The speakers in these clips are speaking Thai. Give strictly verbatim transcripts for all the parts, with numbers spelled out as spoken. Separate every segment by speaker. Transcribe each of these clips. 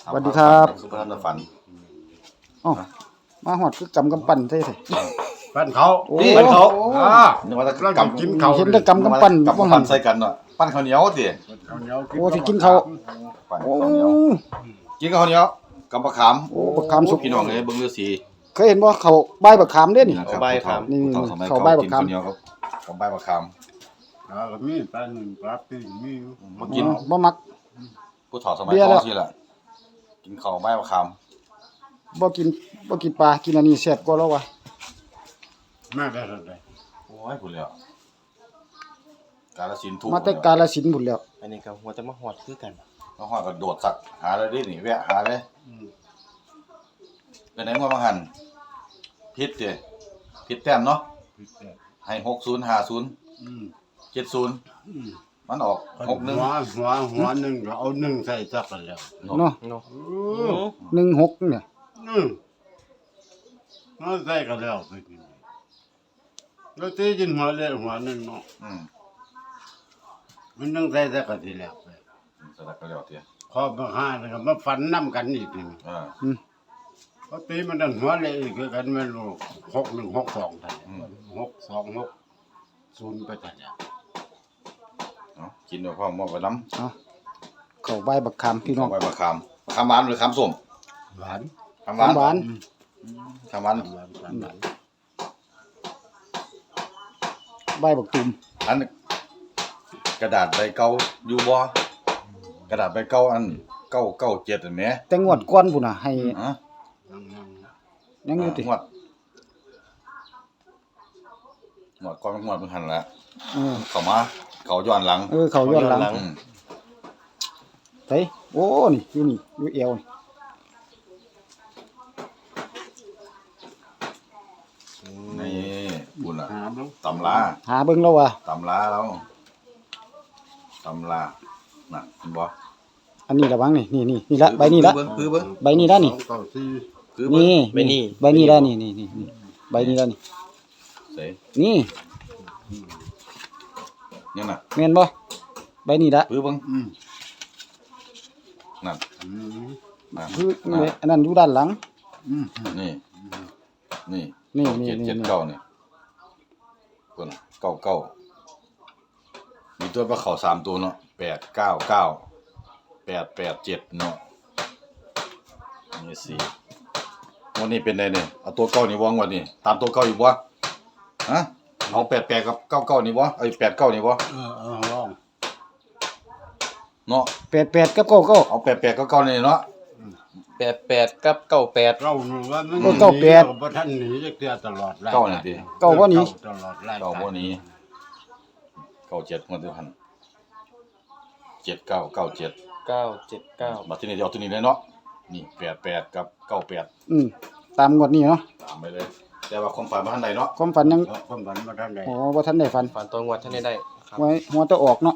Speaker 1: สวัสดีครับ
Speaker 2: สุภาพนฝัน
Speaker 1: อ๋อมาหอดคือกำกำปั้นใช่ไหม
Speaker 3: ปั้นเขา
Speaker 1: โอ้
Speaker 3: ปั้นเขา
Speaker 1: โอ้
Speaker 3: อ่า
Speaker 2: นึกว่าจะ
Speaker 3: เรา
Speaker 2: ก
Speaker 3: จะกินเขา
Speaker 1: เห็นแต่กำกำปั้น
Speaker 2: ำกำ
Speaker 1: บ่หั
Speaker 2: ปั้
Speaker 1: น
Speaker 2: นใส่กันเนาะปั้นข้าวเหนียวดิ
Speaker 3: ข้าวเหนียว
Speaker 1: โอ้สิกินเขาว
Speaker 2: ปั้น
Speaker 1: โอ้
Speaker 2: ข้าวเหนียวกินข้าวเหนียวกับมะขาม
Speaker 1: โอ้บักขามสุก
Speaker 2: พี่น้องเลยเบิ่งฤาษี
Speaker 1: เคยเห็นบ่เขาใบบักขามเด้นี่
Speaker 2: นะครับ
Speaker 4: ใบขาม
Speaker 1: นี่
Speaker 2: ผู้เฒ่าสมัย
Speaker 1: เขา
Speaker 2: เก่า
Speaker 1: ใบบัก
Speaker 2: กิน
Speaker 1: ขาม
Speaker 2: ข้าวเหนียวกับกับใบมะขาม
Speaker 3: อ่าก็มีปลาหนึ่งปลาปีกมีอยู่
Speaker 2: มากิน
Speaker 1: อ๋อบ่มัก
Speaker 2: ผู้เฒ่าสมัย
Speaker 1: เบียร์
Speaker 2: ก่
Speaker 1: แล้
Speaker 2: อ
Speaker 1: ว
Speaker 2: นสิล่ะกินข้าวใบมะขาม
Speaker 1: บ่กินบ่กินปลากินอันนี้แซ่บกว่าแล้ววะ
Speaker 3: แม่ได้เท่าไหร่
Speaker 2: โอ้ยพุ่นแล้วกาฬสินธุ์ทุก
Speaker 1: มาแต่กาฬสินธุ์พุ่นแล้ว
Speaker 4: อันนี้ก็หัวจะมาหอดคือกัน
Speaker 2: มาฮอดก็โดดสักหาเลยดินี่แวะหาเลย
Speaker 3: อืม
Speaker 2: เป็นไหนมาบางหันผิดเด้ผิดแต้มเนาะ
Speaker 3: พิเศษ
Speaker 2: ให้หกศูนย์ห้าศูนย์
Speaker 3: อืม
Speaker 2: เจ็ดศูนย์
Speaker 3: อืม
Speaker 2: มันออกหกหนึ่ง
Speaker 3: หัวหัวหัวหนึ่งก็เอาหนึ่งใส่จักกันแล้ว
Speaker 1: เนาะ
Speaker 4: เนาะ
Speaker 3: อืม
Speaker 1: หนึ่งหกเนี่ย
Speaker 3: อืมเอาใส่กันแล้วไปกินแล้วตีกินหัวเลยหัวหนึ่งเนาะ
Speaker 2: อืม
Speaker 3: มันต้องใส่จักกันทีแล้วไป
Speaker 2: สลักก็แล้วเตี้ย
Speaker 3: ขอบมาห้านะครับมาฟันน้ำกันอีกนี่
Speaker 2: อ่า
Speaker 1: อืม
Speaker 3: เพราะตีมันดันหัวเลยอีกคือกันไม่รู้หกหนึ่งหกสองทันหกสองหกศูนย์ไปทันเนี่ย
Speaker 2: เนาะกินด้วยพ่อมอบไปน้
Speaker 1: เอาเขาใบบักขามพี่
Speaker 2: ำ
Speaker 1: น้อง
Speaker 2: เอาไปมะขามมะขามหวานหรือขามส้ม
Speaker 3: หวาน
Speaker 2: ขามหวาน
Speaker 1: หวาน
Speaker 2: ขามหวาน
Speaker 3: หวานหวานหวาน
Speaker 1: ใบบักตุ่ม
Speaker 2: อันกระดาษใบเก่าอยู่บ่กระดาษใบเก่าอันเก้าเก้าเจ็ดอันแหม
Speaker 1: แต่งวดก่อนพุ่นน่ะให้
Speaker 2: ฮะ
Speaker 3: ยังยัง
Speaker 1: ยังอยู่ติ
Speaker 2: งวดงวดก่อนงวดมันหันละ
Speaker 1: เออ
Speaker 2: เข้ามาเขาย้อนหลัง
Speaker 1: เออเขาย้อนหลัง
Speaker 2: อืม
Speaker 1: ไสโอ้นี่อยู่นี่อยู่เอวนี่
Speaker 2: นี่บุญล่ะ
Speaker 3: หาบ้าง
Speaker 2: ตำรา
Speaker 1: หาเบิ่งแล้วว่ะ
Speaker 2: ตำราแล้วตำราน่ะเห็นบ่
Speaker 1: อันนี้ระวังนี่นี่นี่นี่ละใบนี้ละ
Speaker 2: เบิ่งคือเบิ่ง
Speaker 1: ใบนี้ละนี่
Speaker 3: สองเก้าสี่
Speaker 2: คือเบิ่ง
Speaker 1: นี่
Speaker 4: ใบนี้
Speaker 1: ใบนี้ละนี่นี่นี่นี่ใบนี้ละนี่
Speaker 2: ใส่
Speaker 1: นี่
Speaker 2: นี่น่ะ
Speaker 1: แม่นบ่ใบนี้ละ
Speaker 2: คือเบิ่ง
Speaker 3: อืม
Speaker 2: นั่น
Speaker 3: อืม
Speaker 2: นั่น
Speaker 1: คือ
Speaker 2: นั่น
Speaker 1: อันนั้นอยู่ด้านหลัง
Speaker 3: อืม
Speaker 2: นี่นี่
Speaker 1: นี่
Speaker 2: เก้า
Speaker 1: นี่
Speaker 2: เจ็ด
Speaker 1: นี่
Speaker 2: เจ็ด
Speaker 1: นี่
Speaker 2: เก้านี่เพิ่นเก้าเก้ามีตัวประเขาสามตัวเนาะแปดเก้าเก้าแปดแปดเจ็ดเนาะนี่สี่วันนี้เป็นไงเนี่ยเอาตัวเก้านี่วางวันนี้ตามตัวเก้าอยู่บ่ฮะเอาแปดแปดกับเก้าเก้านี่บ่ไอ้แปดเก้านี่บ่
Speaker 3: เออเออลอง
Speaker 2: เนาะ
Speaker 1: แปดแปดกับเก้าเก้า
Speaker 2: เอาแปดแปดเก้าเก้านี่เนาะ
Speaker 4: แปดแปดกับเก้าแปด
Speaker 3: เราหนูว่ามัน
Speaker 1: เออเก้าแปด
Speaker 3: หนีบ่ทันหนีจักเทื่อตลอดรย
Speaker 2: เก้านี่ติ
Speaker 1: เก้าบ่หนี
Speaker 3: ตลอดราย
Speaker 2: เก้าบ่หนี เก้าเจ็ดงวดเดียวหันเจ็ดเก้าเก้าเจ็ด
Speaker 4: เก้าเจ็ดเก้า
Speaker 2: บัดทีนี้เดี๋ยวเอาตัวนี้เลยเนาะนี่แปดแปดกับเก้าแปด
Speaker 1: อืมตามงวดนี้เนาะ
Speaker 2: ตามไปเลย แต่ว่าความฝันบ่ทันใดเนาะ
Speaker 1: ความฝันยัง
Speaker 3: ความฝันบ่ทันได้
Speaker 1: โอ้บ่ทันได้ฝัน
Speaker 4: ฝันตัวงวดท่านได้ได้ครับ
Speaker 1: ไว้หัวแตะออกเนาะ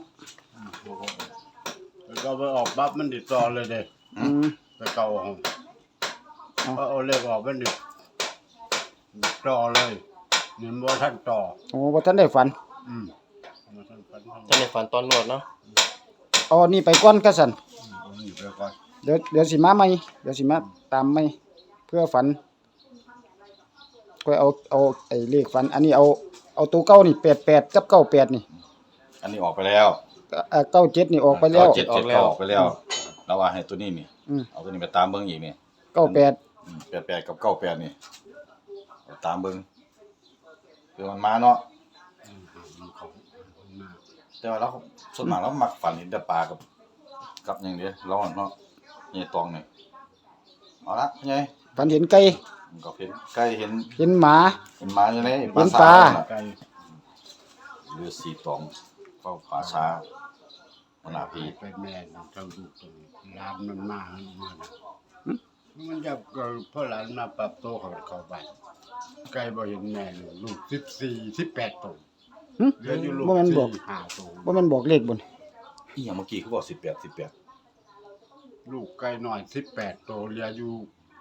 Speaker 3: แล้วก็ไปออกปั๊บมันติดต่อเลยเด้
Speaker 1: อืม
Speaker 3: ไปเก่าห้อง
Speaker 1: เอา
Speaker 3: เอาเอาเลขออกมันดิต่อเลยนี่บ่ทันต่อ
Speaker 1: โอ้บ่ทันได้ฝัน
Speaker 3: อืมบ่ทันฝันทัน
Speaker 4: ท่านในฝันตอนงวดเนาะ
Speaker 1: เอาอันนี้ไปก่อนก็สั่น
Speaker 3: เอานี่ไปก่อน
Speaker 1: เดี๋ยวเดี๋ยวสิมาใหม่เดี๋ยวสิมาตามใหม่เพื่อฝันก็เอาเอาไอ้เลขฝัน อันนี้เอาเอาตัวเก้านี่แปดแปดกับเก้าแปดนี่
Speaker 2: อันนี้ออกไปแล้ว
Speaker 1: เอ่อเก้าเจ็ดนี่ออกไปแล้ว
Speaker 2: เก้าเจ็ดเจ็ดเก้าออกไปแล้วเราว่าให้ตัวนี้นี่
Speaker 1: อืม
Speaker 2: เอาตัวนี้ไปตามเบิ่งอีกนี่
Speaker 1: เก้าแปด
Speaker 2: อืมแปดแปดกับเก้าแปดนี่เอาตามเบิ่งคือมันมาเนาะ
Speaker 3: อืมมันเขามันมา
Speaker 2: แต่ว่าเราส่วนมากเรามักฝันเห็นแต่ปลากับกับอย่างเดียวเราเนาะนี่ตองนี่เอาละไง
Speaker 1: ฝันเห็นไก่
Speaker 2: มันก็เห็นใกล้เห็น
Speaker 1: เห็นหมา
Speaker 2: เห็นหมาอยู่ใน
Speaker 1: เห็นปลา
Speaker 3: ไก่
Speaker 2: เรือสีตองเฝ้าป่าช้ามันหน้าพี
Speaker 3: ไปแม่นเจ้าลูกตัวนี้หลานมันมาให้มานะมันจะเกิดเพราะหลานมาปรับตัวเขาเข้าบ้านไก่บ่เห็นแม่เลยลูกสิบสี่ สิบแปดตัว
Speaker 1: หึ
Speaker 3: เหลืออยู่ลูก
Speaker 1: บ่แม่นบอก
Speaker 3: สี่ห้าตัว
Speaker 1: บ่แม่นบอกเลขบน
Speaker 2: อีหยังเมื่อกี้เขาบอกสิบแปดสิบแปด
Speaker 3: ลูกไก่น้อยสิบแปดตัวเหลืออยู่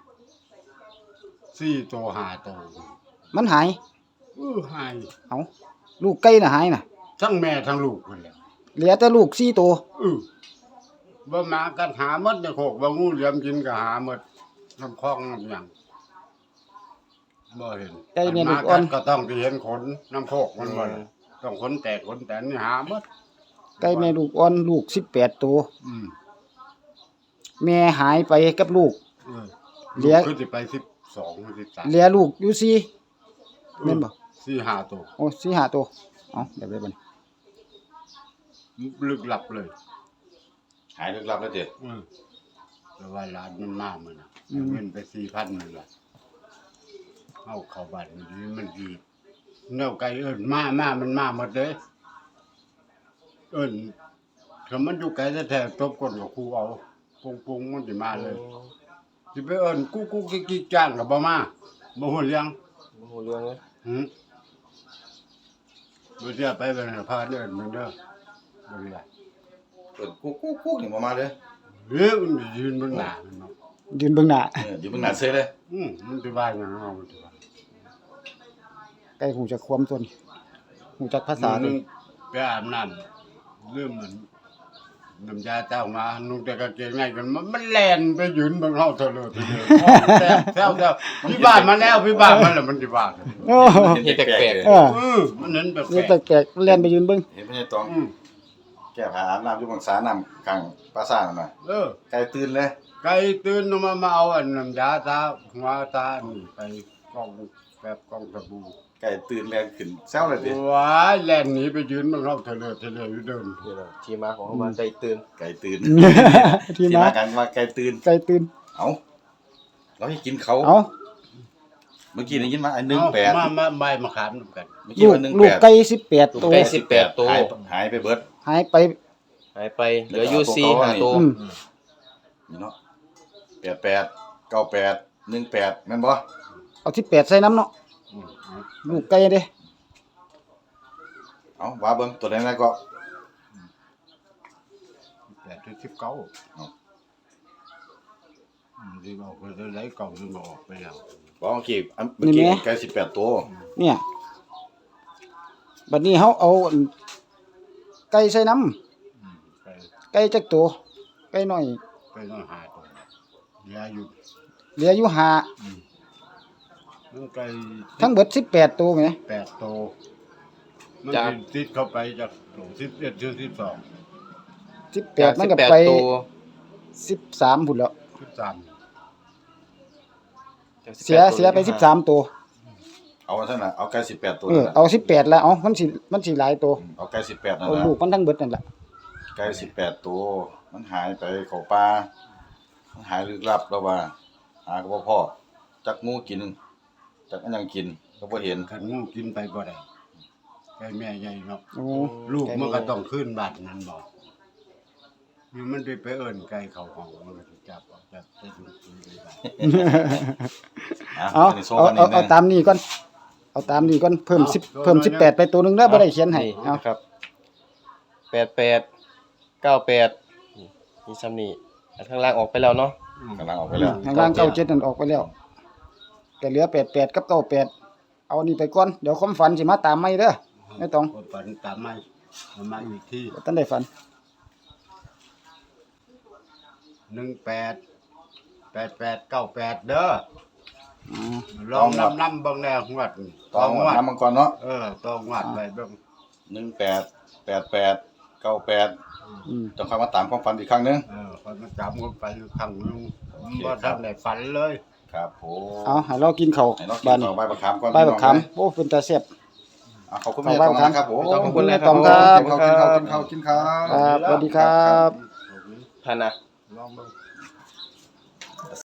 Speaker 3: สี่ตัวห้าตัว
Speaker 1: มันหาย
Speaker 3: เออหาย
Speaker 1: เอาลูกไก่น่ะหายน่ะ
Speaker 3: ทั้งแม่ทั้งลูกนั่นแหละ
Speaker 1: เหลือแต่ลูกสี่ตัว
Speaker 3: เออบ่มากันหาหมดในโคกบ่งูเหลี่ยมกินก็หาหมดน้ำคลองน้ำหยังบ่เห็น
Speaker 1: ไก่เนี่ยลู
Speaker 3: มาก
Speaker 1: อ่
Speaker 3: กั
Speaker 1: อน
Speaker 3: นก็ต้องไปเห็นขนน้ำโคกมันบ่ล่ะต้องขนแตกขนแตนนี่หาหมด
Speaker 1: ไก่แม่ลูกอ่อนลูกสิบแปดตัว
Speaker 3: อืม
Speaker 1: แม่หายไปกับลูก
Speaker 3: เออ
Speaker 1: เหลือ
Speaker 3: คือสิไปสิบสองสิบสาม
Speaker 1: เหลือลูกอยู่สี่แม่นบ่
Speaker 3: สี่ห้าตัว
Speaker 1: โอ้สี่ห้าตัวเอ้าเดี๋ยวไปบัดนี้
Speaker 3: ลึกลับเลย
Speaker 2: หายลึกลับแล้วเด็ด
Speaker 3: อืมแต่ว่าร้านมันมากมันน่ะเงินไปสี่พันนึงล่ะเอาเข้าบ้านมันดีมันดีแนวไก่เอิ้นมามามันมาหมดเลยเอิ้นถ้ามันอยู่ไกลแท้ๆตบก้นกับครูเอาปุ้งๆมันสิมาเลยสิไปเอิ้นกุ๊กๆกิ๊กๆจ้างก็บ่มาบ่ฮู้เรื่อง
Speaker 4: โอ้โหเรื่องเลย
Speaker 3: หืมบ่เสียไปเป็นพาเดินมันเด้อบ่ได้
Speaker 2: เปิดกุ๊กกุ๊กกุ๊กนี่บ่มาเลย
Speaker 3: เฮ้ยมันยืนเบิ่งหน้ามันเนาะ
Speaker 1: ยืนเบิ่งหน้า
Speaker 2: เอออยู่เบิ่งหน้าเซ่เลย
Speaker 3: อืมมันสิว่าหยังเนาะมันสิว่า
Speaker 1: ไก่หูจักความตัวนี้หูจักภาษา
Speaker 3: ห
Speaker 1: เล
Speaker 3: นึ
Speaker 1: ย
Speaker 3: งไปอาบน้ำลืมมันน้ำยาเจ้ามานุ่งแต่กางเกงในกันมันมันแล่นไปยืนเบิ่งเฮาเถอะเลยทีเดียวแซ่บแซ่บแซ่บพี่บ้านมาแล้วพี่บ้านมันแล้วมันสิว่ากัน
Speaker 1: โอ้
Speaker 4: เห็นแปลก
Speaker 1: เออ
Speaker 3: เออมันนั้นแปล
Speaker 1: นี่
Speaker 3: ก
Speaker 1: แปลกๆเล่นไปยืนเบิ่ง
Speaker 2: เห็นพญาตอง
Speaker 3: ๆอืม
Speaker 2: แก้ผ้าอาบน้ำอยู่บางสาน้ำกลางปราสาทนั่นน่ะ
Speaker 3: เออ
Speaker 2: ไก่ตื่นเลย
Speaker 3: ไก่ตื่นออกมามาเอาอันน้ำยาตาหัวตานี่ไปกองแบบกองสบู่
Speaker 2: ไก่ตื่นแรงขึ้นแซวเลยดิ
Speaker 3: ว้ายแล่นหนีไปยืนมันเข้าเทะเลเทะเลอยู่เดิน
Speaker 4: ๆนี่แหละที่มาของคำว่าใจตื่น
Speaker 2: ไก่ตื่น
Speaker 1: ที่
Speaker 2: ที่
Speaker 1: มา
Speaker 2: มากันว่าไก่ตื่น
Speaker 1: ไก่ตื่น
Speaker 2: เอ้าเราให้กินเขา
Speaker 1: เอ้า
Speaker 2: เมื่อกี้ได้ยินมาอันหนึ่งแปด
Speaker 3: มามาใบมะขามนำกัน
Speaker 2: เมื่อกี้
Speaker 1: ลูก
Speaker 2: ว่าหนึ่ง
Speaker 1: ลู
Speaker 2: แป
Speaker 1: ก
Speaker 2: ด
Speaker 1: ไก่สิบแปดตัว
Speaker 4: ไก่สิบแปดตัว
Speaker 2: หายหายไปเบิด
Speaker 1: หายไป
Speaker 4: หายไปเหลืออยู่สี่ห้าตัว
Speaker 1: อืม
Speaker 2: นี่เนาะแปดแปดเก้าแปดหนึ่งแปดแม่นบ่
Speaker 1: เอาสิบแปดใส่น้ำเนาะ
Speaker 3: อืมเอา
Speaker 1: ลูกไก่เด้
Speaker 2: เอาว่าเบิ่งตัวไหนๆก็
Speaker 3: แปดถึงสิบเก้า
Speaker 2: เอา
Speaker 3: อืมที่บอกไปเลยไหลเก่าที่บอกออกไปแล้ว
Speaker 2: บอกเมื่อกี้อันเมื่อกี้ไก่สิบแปดตัว
Speaker 1: เนี่ยบัดนี้เฮาเอาอันไก่ใส่น้
Speaker 3: อืมไป
Speaker 1: ำไก่จักตัวไก่น้อย
Speaker 3: ไปต้องหาตัวเหลืออยู่
Speaker 1: เหลืออยู่ห้า
Speaker 3: อืมมันไก่
Speaker 1: ทั้งเบิดสิบแปดตัวแหม
Speaker 3: แปดโตวมัน
Speaker 4: จาก
Speaker 3: สิติดเข้าไปจากโหลสิบเอ็ดถึงสิบสอง
Speaker 1: สิบแป
Speaker 4: จา
Speaker 1: ด
Speaker 4: ก
Speaker 1: มัน
Speaker 4: สิบ
Speaker 1: ก็
Speaker 4: แปด
Speaker 1: ไป
Speaker 4: ตัว
Speaker 1: สิบสามพุ่นแล้ว
Speaker 3: สิบสาม
Speaker 4: จากสิบ
Speaker 1: เสี
Speaker 4: แป
Speaker 1: ย
Speaker 4: ดตัว
Speaker 1: เสียไปสิบสามตัว
Speaker 2: เอาเท่านั้นเอาไก่สิบแปดตัว
Speaker 1: เออ
Speaker 2: นั่นน่ะ
Speaker 1: เอาสิบแปดแล้วเอามันสิมันสิหลายตัว
Speaker 2: เอาไก่สิบแปดนั่น
Speaker 1: เอา
Speaker 2: แหละ
Speaker 1: ลูกมันทั้งเบิดนั่นแหละ
Speaker 2: ไก่สิบแปดตัวมันหายไปเข้าป่ามันหายลึกลับแล้วว่า หาก็บ่พอจักงูกินจักอันหยังกินก็บ่เห็น
Speaker 3: ขันงูกินไปบ่ได้ไก่แม่ใหญ่เนาะ
Speaker 1: โอ้
Speaker 3: ลูกมันก็ต้องขึ้นบัตรนั้นบอกนี่มันไปไปเอิ้นไก่เขาห้องมันก็สิจับออกจากใส่ถุงปุ๋ยเลยบัด
Speaker 1: เอา
Speaker 2: นนี้โซ่
Speaker 1: เอา
Speaker 2: กัน
Speaker 1: เอา
Speaker 2: นี่
Speaker 1: เอา
Speaker 2: แน่
Speaker 1: ตามนี้ก่อนเอาตามนี้ก่อนเพิ่มสิบเพิ่มสิบแปดไปตัวหนึงเด้อบ่ได้เขียนให้
Speaker 4: นี่
Speaker 1: เอา
Speaker 4: นะครับแปดแปดเก้าแปดนี่ซ้ำนี่อันข้างล่างออกไปแล้วเนาะ
Speaker 2: กำลังออกไปแล้ว
Speaker 1: ทางล่างเก้าเจ็ดนั่นออกไปแล้วก็เหลือแปดแปดกับเก้าแปดเอานี่ไปก่อนเดี๋ยวความฝันสิมาตามใหม่เด้อไม่ต้อง
Speaker 3: คนฝันตามมาเอามาอีกที่
Speaker 1: บ่ทันได้ฝัน
Speaker 3: หนึ่งแปดแปดแปดเก้าแปดเด้อ
Speaker 1: อ๋อ
Speaker 3: ลองนำนำเบางแนวงวด
Speaker 2: ตองน้ำมังกรเนาะ
Speaker 3: เออต้องงวดไปเบิ่ง
Speaker 2: หนึ่งแปด แปดแปด เก้าแปด
Speaker 1: อืม
Speaker 2: ต้องค่อยมาตามความฝันอีกครั้งหนึง
Speaker 3: เออคนมาจับกันไปอยู่ครั้งหนึง
Speaker 2: โอเค
Speaker 3: บ่ทันได้ฝันเลย
Speaker 2: ครับผม
Speaker 1: เอาให้เรากินข้าว
Speaker 2: ให้เรากิ
Speaker 1: บ้าน
Speaker 2: น
Speaker 1: นี้
Speaker 2: ต่อใบบักขามก่อน
Speaker 1: ใบบักขาม
Speaker 2: พี่น้อง
Speaker 1: โอ้เป็นตาแซ่บ
Speaker 2: อ่ะขอบคุณ
Speaker 1: ต่อ
Speaker 2: แม่
Speaker 1: ใบ
Speaker 2: ตอง
Speaker 1: บักขาม
Speaker 2: นะครับผม
Speaker 4: ขอบคุณ
Speaker 1: แม่
Speaker 4: นะค
Speaker 1: ต
Speaker 4: รั
Speaker 1: อบ งครับ
Speaker 2: กินข้าวกินข้าวกินข้าวกินข้าว
Speaker 1: ครับสวัสดีครับ
Speaker 4: พันนะ
Speaker 3: ลองเบิ่ง